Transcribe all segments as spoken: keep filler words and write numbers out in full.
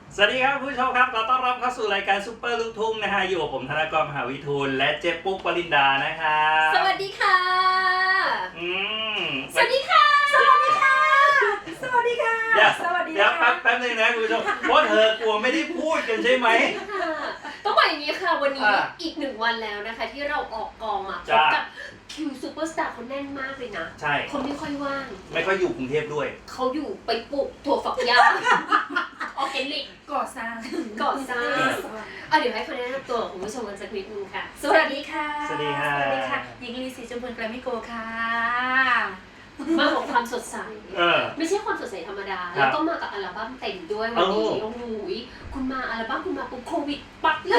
สวัสดีครับผู้ชมครับขอต้อนรับเข้าสู่รายการซุปเปอร์ลูกทุ่งนะฮะอยู่กับผมธนกร มหาวิทูลและเจ๊ปุ๊กปรินดานะครับสวัสดีค่ะอืมสวัสดีค่ะสวัสดีค่ะสวัสดีค่ะเดี๋ยวสวัสดีเดี๋ยวแป๊บแป๊บนึงนะคุณผู้ชมเพราะเธอกลัวไม่ได้พูดกันใช่ไหมต้องบอกอย่างนี้ค่ะวันนี้อ่ะอีกหนึ่งวันแล้วนะคะที่เราออกกองมาพบจ้ากับคิวซูเปอร์สตาร์เขาแน่นมากเลยนะใช่คนไม่ค่อยว่างไม่ค่อยอยู่กรุงเทพด้วยเขาอยู่ไปปลูกถั่วฝักยาวออร์แกนิกก่อสร้างก่อสร้างอ่ะเดี๋ยวให้คนแนะนำตัวของคุณผู้ชมกันสักนิดนึงค่ะสวัสดีค่ะสวัสดีค่ะสวัสดีค่ะหญิงลีศรีจมพลแกรมมี่โกค่ะมาของความสดใสเออไม่ใช่ความสดใสธรรมดาครับแล้วก็มากับอัลบั้มเต็มด้วยวันนี้โอ้โอ้โหคุณมาอัลบั้มคุณมาปุ๊บโควิดปัดเลย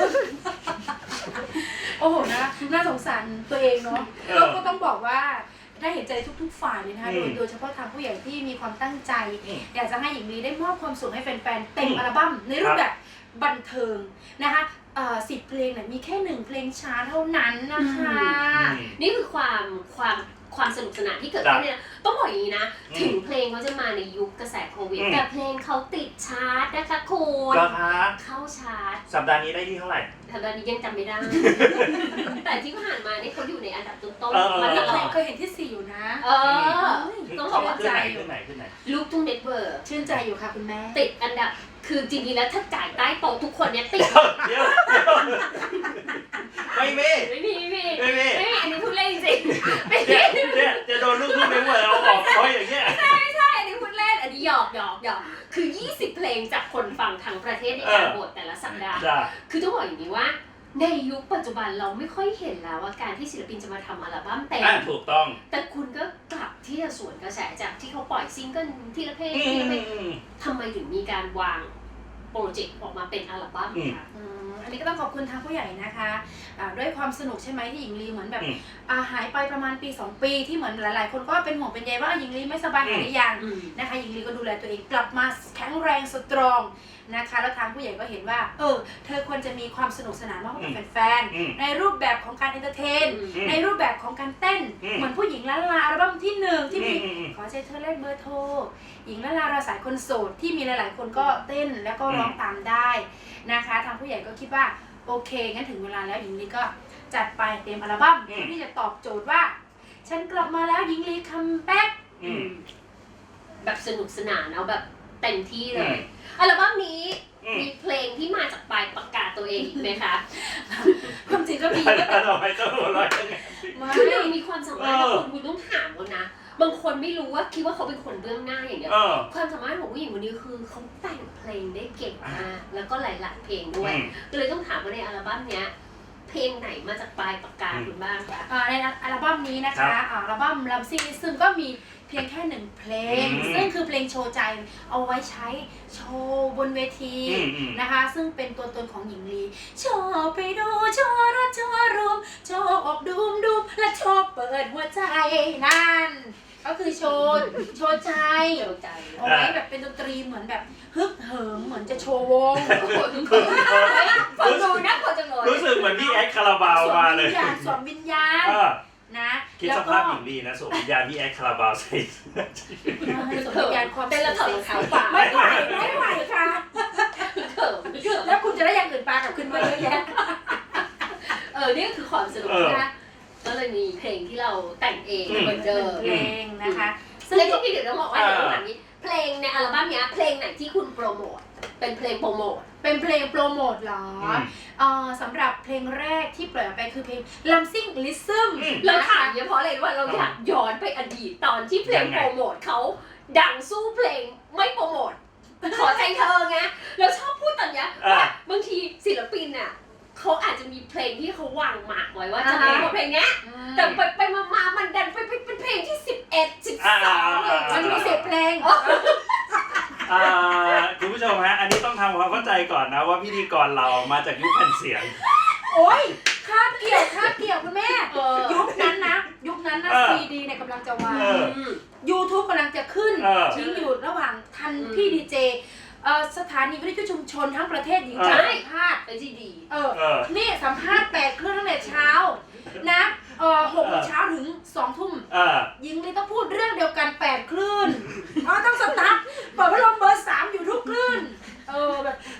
โอ้โหนะน่าสงสารตัวเองเนาะเออแล้วก็ต้องบอกว่าได้เห็นใจทุกๆฝ่ายเลยนะคะอืโดมยโดยเฉพาะทางผู้ใหญ่ที่มีความตั้งใจอืมอยากจะให้หญิงลีได้มอบความสุขให้แฟนๆเต็มอืมอัลบั้มในรูครัปบแบบบันเทิงนะคะสิบเพลงเนี่ยมีแค่หนึ่งเพลงช้าเท่านั้นนะคะอืมนี่คือความความความสนุกสนานที่เกิดขึ้นเนี่ยต้องบอกอย่างนี้นะอืมถึงเพลงเขาจะมาในยุคกระแสโควิดอืมแต่เพลงเขาติดชาร์ตนะคะคุณเหรอคะเข้าชาร์ตสัปดาห์นี้ได้ที่เท่าไหร่แต่ตอนนี้ยังจำไม่ได้ แต่ที่ผ่านมาเนี่ยเขาอยู่ในอันดับต้นเออๆมาตลอดเคยเห็นที่สี่อยู่นะเออต้องบเขาอกว่าขึ้นไหนขึ้นไหนขึ้นไหนลูกทุ่งเน็ตเวิร์กชื่นใจอยู่ค่ะคุณแม่ติดอันดับคือจริงๆแล้วถ้าจ่ายใต้โต๊ะทุกคนเนี่ยติดเดี๋ยวเดี๋ยวไม่มีไม่มีไม่มีไม่มีไม่มีอันนี้พูดเล่นจริงๆไม่เนี่ยมีเนี่ยจะโดนลูกทุ่งเน็ตเวิร์กเอาออกเพราะอย่างเงี้ยใช่อันนี้พูดเล่นอันนี้หยอกหยอกหยอกคือ ยี่สิบ เพลงจากคนฟังทั้งประเทศในการเออโหวตแต่ละสัปดาห์จ้าคือต้องบอกอย่างนี้ว่า ในยุคปัจจุบันเราไม่ค่อยเห็นแล้วว่าการที่ศิลปินจะมาทำอัลบั้มเต็มอ่ะถูกต้องแต่คุณก็กลับที่จะสวนกระแสจากที่เขาปล่อยซิงเกิลทีละเพลงอืทีละเพลงมทำไมถึงมีการวางโปรเจกต์ออกมาเป็นอัลบั้มอืมคะอืมอันนี้ก็ต้องขอบคุณทางผู้ใหญ่นะคะอ่าด้วยความสนุกใช่ไหมที่หญิงลีเหมือนแบบอืมอ่าหายไปประมาณปีสองปีที่เหมือนหลายๆ คนก็เป็นห่วงเป็นใยว่าหญิงลีไม่สบายหายหรือยังอืมนะคะหญิงลีก็ดูแลตัวเองกลับมาแข็งแรงสตรองนะคะแล้วทางผู้ใหญ่ก็เห็นว่าเออเธอควรจะมีความสนุกสนานมากกว่าแฟนอืมๆในรูปแบบของการเอนเตอร์เทนอืมในรูปแบบของการเต้นอืมเหมือนผู้หญิงล้านลาอัลบั้มที่หนึ่งที่มีอืมอืมขอใช้เธอเลขเบอร์โทรหญิงล้านลาเราสายคนโสดที่มีหลาย ๆ คนก็เต้นแล้วก็ร้องตามได้นะคะทางผู้ใหญ่ก็คิดว่าโอเคงั้นถึงเวลาแล้วหญิงลีก็จัดไปเต็มอัลบั้มอืมที่จะตอบโจทย์ว่า ฉันกลับมาแล้วหญิงลีคัมแบ็กอืมแบบสนุกสนานเอาแบบเต็มที่เลอืยมอัลบั้มนี้อืมมีเพลงที่มาจากปลายปากกาตัวเองอีกไหมคะความจริงก็มีแล้วทำไมต้องหัวเราะยังไงมาคือนางมีความสามารถเอนะอคุณคุณต้องถามเขานะ บางคนไม่รู้ว่าคิดว่าเขาเป็นคนเบื้องหน้าอย่างเดียวเออความสามารถของผู้หญิงคนนี้คือเขาแต่งเพลงได้เก่งมากแล้วก็หลายๆเพลงด้วยอืมก็เลยต้องถามว่าในอัลบั้มเนี้ยเพลงไหนมาจากปลายปากกาคุณบ้างคะอ่าในอัลบั้มนี้นะครัคะบอ่าอัลบั้มลัมซิงซึ่งก็มีเพียงแค่หนึ่งเพลงอืมซึ่งคือเพลงโชว์ใจเอาไว้ใช้โชว์บนเวทีอืมอืมนะคะ ซึ่งเป็นตัวตนของหญิงลีโชว์ไปดูโชว์รถโชว์รูมโชว์ออกดูมดูมและโชว์เปิดหัวใจนั่นก็คือโชว์โชว์ใจเดียวใจเอาไว้แบบเป็นดนตรีเหมือนแบบฮึกเหิมเหมือนจะโชว์วงฟังดูน่ากลัวจังเลยรู้สึกเหมือนพี่แอดคาราบาวมาเลยสวมวิญญาณเออนะคิดสภาพหญิงดีนะสวมวิญญาณพี่แอดคาราบาวใส่เสื้อสวมวิญญาณความเป็นระเบิดขาวป่าไม่ไหวไม่ไหวค่ะเขิมเขิมแล้วคุณจะได้อย่างอื่นปลากับขึ้นมาเยอะแยะเออนี่ก็คือความสนุกนะก็เลยมีเพลงที่เราแต่งเองเหมือนเดิมเพลงนะคะ ซึ่งแล้วที่พี่เดี๋ยวต้องบอกว่าเดี๋ยวต้องถามนี้เพลงในอัลบั้มเนี้ยเพลงไหนที่คุณโปรโมทเป็นเพลงโปรโมทเป็นเพลงโปรโมทเหรออืมเอ่อสำหรับเพลงแรกที่ปล่อยออกไปคือเพลง Lampsing Rhythm อืมเรานะถาคะมเนี่ยเพราะอะไรรู้ว่าเราอยากย้อนไปอดีตตอนที่เพลงโปรโมทเขาดังสู้เพลงไม่โปรโมทขอใจเธอไงเราชอบพูดตอนเนี้ยว่าบางทีศิลปินอ่ะเขาอาจจะมีเพลงที่เขาวางหมากไว้ว่าจะโปรโมทเพลงเนี้ยแต่ไปไปมาๆมันดันไปเป็นเพลงที่สิบเอ็ด สิบสองเลยมันมีเสียงเพลงอ่าคุณผู้ชมฮะ อันนี้ต้องทำความเข้าใจก่อนนะว่าพิธีกรเรามาจากยุคแผ่นเสียงโอ้ยคาบเกี่ยวคาบเกี่ยวคุณแม่เออยุคนั้นนะ ยุคนั้นนะเออซีดีเนี่ยกำลังจะวางเออ YouTube กำลังจะขึ้นเออทิ้งอยู่ระหว่างทันอืมพี่ดีเจเอ่อสถานีวิทยุชุมชนทั้งประเทศหญิงเออจะสัมภาษณ์ไอ้ที่ดีเออเออนี่สัมภาษณ์แปดเครื่องตั้งแต่เช้านะเอ่อหกโมงเช้าถึงสองทุ่มเออยิงเลยต้องพูดเรื่องเดียวกันแปดคลื่นอ๋อต้องสตาร์ทเปิดพัดลมเบอร์สามอยู่ทุกคลื่นเออแบบ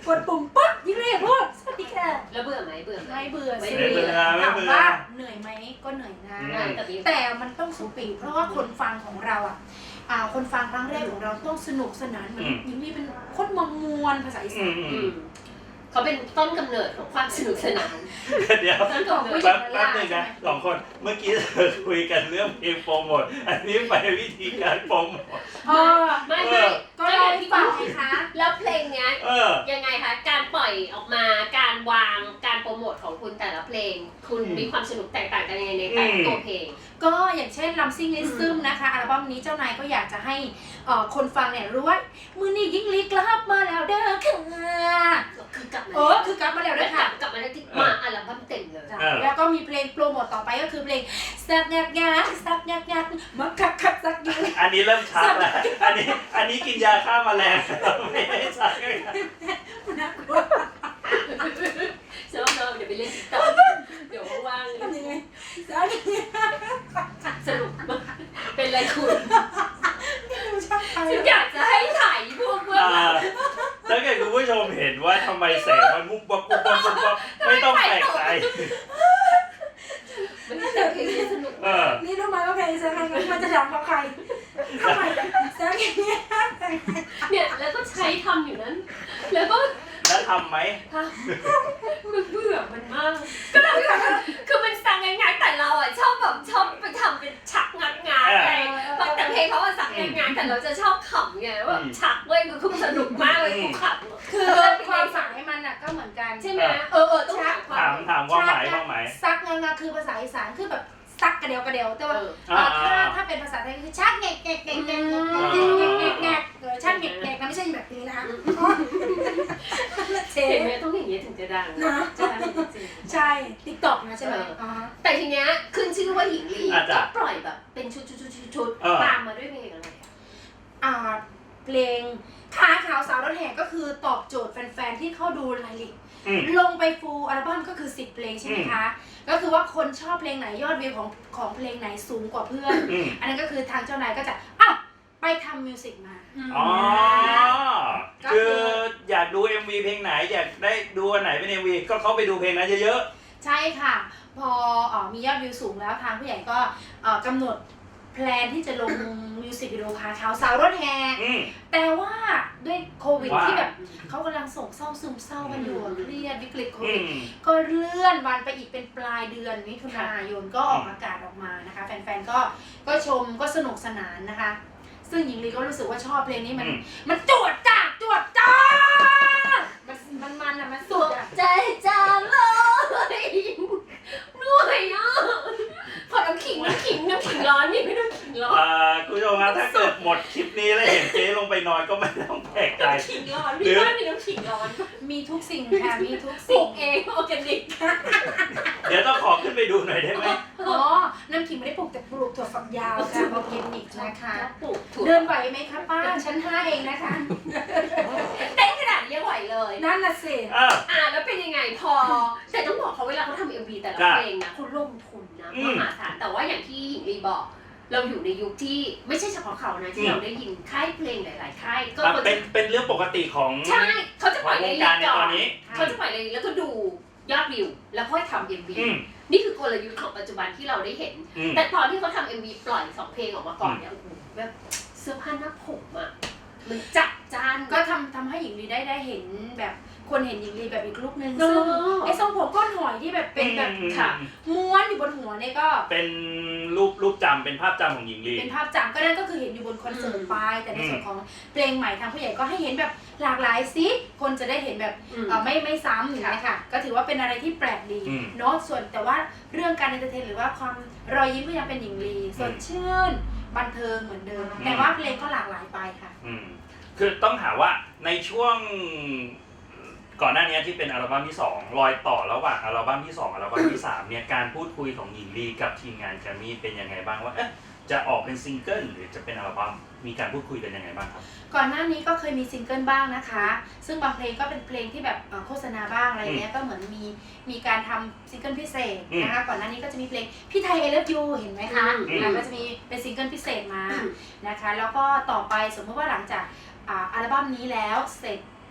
กดปุ่มปุ๊บยิ่งเรียกพูดสวัสดีค่ะแล้วเบื่อไหมเบื่อไหมไม่เบื่อไม่สิเบื่อถามว่าเหนื่อยไหมก็เหนื่อยนะอ่าแต่มีแต่มันต้องสปีดเพราะว่าคนฟังของเราอ่ะอ่าคนฟังครั้งแรกของเราต้องสนุกสนานเหมือนยิ่งมีเป็นโคตรมอมมวนภาษาอีสานอืมเขาเป็นต้นกำเนิดของความสนุกสนานเดี๋ยวต้นกำเนิดแป๊บแป๊บนึงนะสองคนเมื่อกี้เราคุยกันเรื่องเพลงโปรโมทอันนี้ไปวิธีการโปรโมทอ๋อไม่ไม่ก็ร้องฟังไงคะแล้วเพลงเนี้ยเออยังไงคะการปล่อยออกมาการวางการโปรโมทของคุณแต่ละเพลง คุณอืมมีความสนุกแตกต่างกันยังไงในแต่ละตัวเพลงก็อย่างเช่นลำซิ่งลิซึมนะคะอัลบั้มนี้เจ้านายก็อยากจะให้เอ่อคนฟังเนี่ยรู้ว่ามือนี้ยิ่งลีกลับมาแล้วเด้อค่ะคือกลับมาเออคือกลับมาแล้วแล้ด้ววยกลัค่ะบกลับมาแล้วที่มาอัลบั้มเต็มเลยจ้ะเออแล้วก็มีเพลงโปรโมทต่อไปก็คือเพลงสักงักงักสักงักงักมาคักคักสักยืนอันนี้เริ่มชัดแล้วอันนี้อันนี้กินยาฆ่าแมลงไม่ได้ชัดเลยน่ากลัวเชื่อว่าเราเดี๋ยวไปเล่นติ๊กต็อกเดี๋ยวว่างๆทำยังไงสักงักสรุปมากเป็นไรคุณดูช่างไทยฉันอยากจะให้ถ่ายพวกเพื่อนอ่าถ้าเกิดคุณผู้ชมเห็นว่าทำไมแสงมันมุบวับมุบวับมุบวับไม่ต้องแปลกใจมันเป็นเพลงที่สนุกเออนี่รู้ไหมว่าเพลงสักงักงักมันจะดังกว่าใครทำไมสักงักงักเนี่ยแล้วก็ใช้ทำอยู่นั้น แล้วก็แล้วทำไหมทำมันเบื่อมันมากก็เราคือมันสั่งง่ายๆแต่เราอ่ะชอบแบบชอบไปทำเป็นชักงัดงานไงแต่เพลงเขาอะสั่งง่ายๆแต่เราจะชอบขำไงว่าชักเว้ยคือคือสนุกมากเลยกูขำคือความหมายมันน่ะก็เหมือนกันใช่ไหมเออเออต้องถามควาถามมถามความหมายความหมายซักงักงักคือภาษาอีสานคือแบบซักกระเดียวกระเดียวแต่ว่าเออเอ่อถ้าถ้าเป็นภาษาไทยคือชักแงกแงกแงกแงกแงกแงกแงกแงกแงกเออชักแงกแงกนะไม่ใช่แบบนี้นะคะเชเห็นนไหมต้องอย่างนี้ถึงจะดังนะใช่จริงใช่ติ๊กต็อกนะใช่ไหมอ๋อแต่ทีเนี้ยขึ้นชื่อว่าหญิงลีอาจจะก็ปล่อยแบบเป็นชุดชุดชุดชุดชุดเออตามมาด้วยเพลงอะไรอะอ่าเพลงขาขาวสาวรถแห่ก็คือตอบโจทย์แฟนๆที่เข้าดูรายลิกอืมลงไปฟูลอัลบั้มก็คือสิบเพลงใช่ไหมคะ ก็คือว่าคนชอบเพลงไหนยอดวิวของของเพลงไหนสูงกว่าเพื่อนอืมอันนั้นก็คือทางเจ้านายก็จะอ้าวไปทำมิวสิกมาอ๋อ คืออยากดู เอ็ม วี เพลงไหน อยากได้ดูอันไหนเป็น เอ็ม วี ก็เข้าไปดูเพลงนั้นเยอะใช่ค่ะ พอเอ่อมียอดวิวสูงแล้วทางผู้ใหญ่ก็เอ่อกำหนดแพลนที่จะลงมิวสิกวิดีโอคาขาวสาวรถแห่ๆ อืมแต่ว่าด้วยโควิดว่าที่แบบเขากำลังโศกเศร้าซึมเศร้ากันอยู่อะเครียดวิกฤตโคอืวิดมก็เลื่อนวันไปอีกเป็นปลายเดือนมิถุนายนก็ออกอากาศออกมานะคะ แฟนๆก็ก็ชมก็สนุกสนานนะคะ ซึ่งหญิงลีก็รู้สึกว่าชอบเพลงนี้มันอืมมันจวดจ้าดจวดจ้าดมันมันมันอะมันสุดอะใจจางเลยเหนื่อยอ่ะพอน้ำขิงน้ำขิงน้ำขิงร้อนนี่ไม่น้ำขิงร้อนอ่าคุณผู้ชมครับถ้าเกิดหมดคลิปนี้แล้วเห็นเจ๊ลงไปนอนก็ไม่ต้องแปลกใจน้ำขิงร้อนพี่บ้านมีน้ำขิงร้อนมีทุกสิ่งค่ะมีทุกปลูสิ่งกเองออร์แกนิกเดี๋ยวต้องขอขึ้นไปดูหน่อยได้ไหมอ๋อน้ำขิงไม่ได้ปลูกแต่ปลูกถั่วฝักยาวค่ะออร์แกนิกนะคะปลูกถั่วเดินไหวไหมคะป้าชั้นห้าเองนะคะเต้นขนาดนี้ยังไหวเลยนั่นน่ะสิอ่าอ่าแล้วเป็นยังไงพอ แต่ต้องบอกเขาเวลาเขาทำเอ็มวีแต่ละจ้ะเพลงนะเขาลงทุนนะอืมมหาศาลแต่ว่าอย่างที่หญิงลีบอก เราอยู่ในยุคที่ไม่ใช่เฉพาะเขานะอืที่มเราได้ยินค่ายเพลงหลาย ๆ ค่ายก็อ่ะเขาเป็จะนเป็นเรื่องปกติของใช่เขาจะปล่อยของในวงลิการสต์ในก่อตอนนนี้เขาจะปล่อยในลิสต์แล้วก็ดูยอดวิว แล้วค่อยทำเอ็มวีอืมนี่คือกลยุทธ์ของปัจจุบันที่เราได้เห็นอืมแต่ตอนที่เขาทำเอ็มวีปล่อยสองเพลงออกมาก่อนเนี่ยโอ้โหแบบเสื้อผ้าหน้าผมอะมันจับจ้านก็ทำทำให้หญิงลีได้ได้เห็นแบบคนเห็นหญิงลีแบบอีกลุกนึงเออซึ่งไอ้ทรงผมก้อนหอยที่แบบเป็นแบบอืมค่ะม้วนอยู่บนหัวเนี่ยก็เป็นรูปรูปจำเป็นภาพจำของหญิงลีเป็นภาพจำก็นั่นก็คือเห็นอยู่บนคอนเสิร์ตอืมไปแต่ในส่วนของเพลงใหม่ทางผู้ใหญ่ก็ให้เห็นแบบหลากหลายสิคนจะได้เห็นแบบอืมเอ่อไม่ไม่ซ้ำอย่างนี้ยค่ะก็ถือว่าเป็นอะไรที่แปลกดีอืมเนาะส่วนแต่ว่าเรื่องการเอนเตอร์เทนหรือว่าความรอยยิ้มก็ยังเป็นหญิงลีสดชื่นบันเทิงเหมือนเดิมอืมแต่ว่าเพลงก็หลากหลายไปค่ะอืมคือต้องถามว่าในช่วงก่อนหน้านี้ที่เป็นอัลบั้มที่สองรอยต่อระหว่างอัลบั้มที่สองอัลบั้มที่สามเนี่ยการพูดคุยของหญิงลีกับทีมงานแกรมมี่เป็นยังไงบ้างว่าเอ๊ะจะออกเป็นซิงเกิลหรือจะเป็นอัลบั้มมีการพูดคุยกันยังไงบ้างครับก่อนหน้านี้ก็เคยมีซิงเกิลบ้างนะคะ ซึ่งบางเพลงก็เป็นเพลงที่แบบเอ่อโฆษณาบ้างอะไรเงี้ย ก็เหมือนมีมีการทำซิงเกิลพิเศษนะคะ ก่อนหน้านี้ก็จะมีเพลงพี่ไทย I Love You เห็นไหมคะอืมอ่ะก็จะมีเป็นซิงเกิลพิเศษมาอืมนะคะ แล้วก็ต่อไปสมมติว่าหลังจากอ่าอัลบั้มนี้แล้วเสร็จ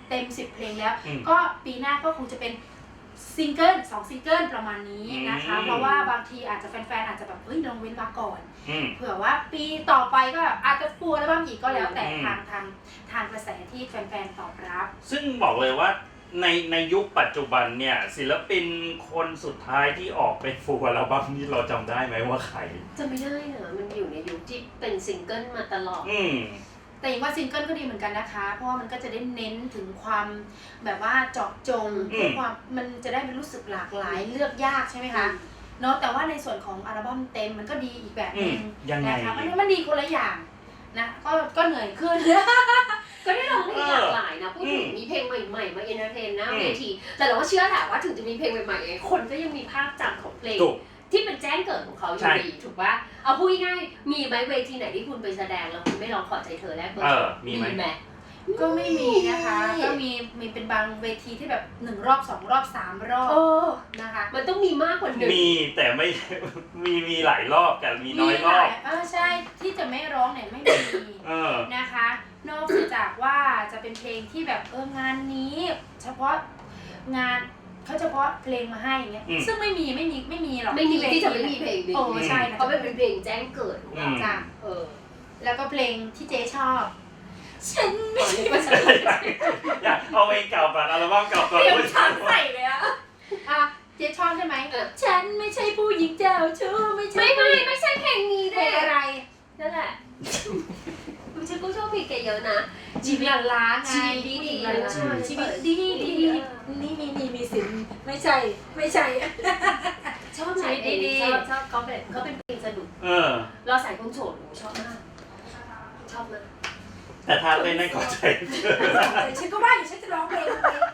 เต็มสิบเพลงแล้วอืมก็ปีหน้าก็คงจะเป็นซิงเกิลสองซิงเกิลประมาณนี้นะคะอืมเพราะว่าบางทีอาจจะแฟนๆอาจจะแบบเฮ้ยลองเว้นมาก่อนอืมเผื่อว่าปีต่อไปก็อาจจะฟูลอัลบั้มอีกก็แล้วแต่อืมทางทางทางกระแสที่แฟนๆตอบรับซึ่งบอกเลยว่าในในยุคปัจจุบันเนี่ยศิลปินคนสุดท้ายที่ออกเป็นฟูลอัลบั้มนี่เราจำได้ไหมว่าใครจะไม่ได้นะมันอยู่ในยุคที่เป็นซิงเกิลมาตลอดอืมแต่อย่างว่าซิงเกิลก็ดีเหมือนกันนะคะ เพราะว่ามันก็จะได้เน้นถึงความแบบว่าเจาะจงอืมเพื่อความมันจะได้เป็นรู้สึกหลากหลายเลือกยากใช่ไหมคะเนาะแต่ว่าในส่วนของอัลบั้มเต็มมันก็ดีอีกแบบหนึงอืมยังไงนะคะมันมันดีคนละอย่างนะก็ก็เหนื่อยขึ้นก็ได้ร้องเพลงหลากหลายนะพูดถึงอืมมีเพลงใหม่ๆมาเอนเตอร์เทนหน้าอืมเวทีแต่เราก็เชื่อแหละว่าถึงจะมีเพลงใหม่ๆไงคนก็ยังมีภาพจำของเพลงถูกที่เป็นแจ้งเกิดของเขาอใช่ยู่ดีถูกปะเอาพูดง่ายๆมีไหมเวทีไหนที่คุณไปแสดงแล้วคุณไม่ร้องขอใจเธอแรกเบอเอร์อมีไหมไหมก็ไม่มีนะคะมีก็มีมีเป็นบางเวทีที่แบบหนึ่งรอบสองรอบสามรอบเออนะคะมันต้องมีมากกว่าหนึ่งมีแต่ไม่ มีมีหลายรอบแต่มีน้อยรหอลาบยเออใช่ที่จะไม่ร้องเนี่ยไม่มีเออนะคะ นอกจากว่าจะเป็นเพลงที่แบบเอองานนี้ เฉพาะงานเขาเฉพาะเพลงมาให้อย่างเงี้ยอืมซึ่งไม่มีไม่มีไม่มีหรอกไม่มีเวที่จะไม่มีเพลงนี้โอ้ใช่นะเพราะมันเป็นเพลงแจ้งเกิดของเราอืมจ้ะเออแล้วก็เพลงที่เจ๊ชอบ ฉันไม่ตอนใช่นี้ก็จะอยากเอาเพลงเก่าก่อนอัลบั้มเก่าก่อนเตรียมช้างใส่เลยอะอ่ะเจ๊ชอบใช่ไหมเออฉันไม่ใช่ผู้หญิงเจ้าชู้ไม่ใช่ไม่ไม่ไม่ใช่เพลงนี้เพด้ลวยงอะไรนั่นแหละฉันก็ชอบเพลงแกเยอะนะชีวิตล้าไงชีวิตดีๆผู้หญิงล้าใช่ชีวิตดีดี นี่มีนี่มีสินไม่ใช่ไม่ใช่ชอบไหนเพลงนี้ชอบชอบเขาเป็นเขาเป็นเพลงสนุกเออเราใส่คนโสดหนูชอบมากชอบมากแต่ถ้าเต้นนั่นขอใจฉันก็ว่าอยู่ฉันจะร้องเพลงเพลง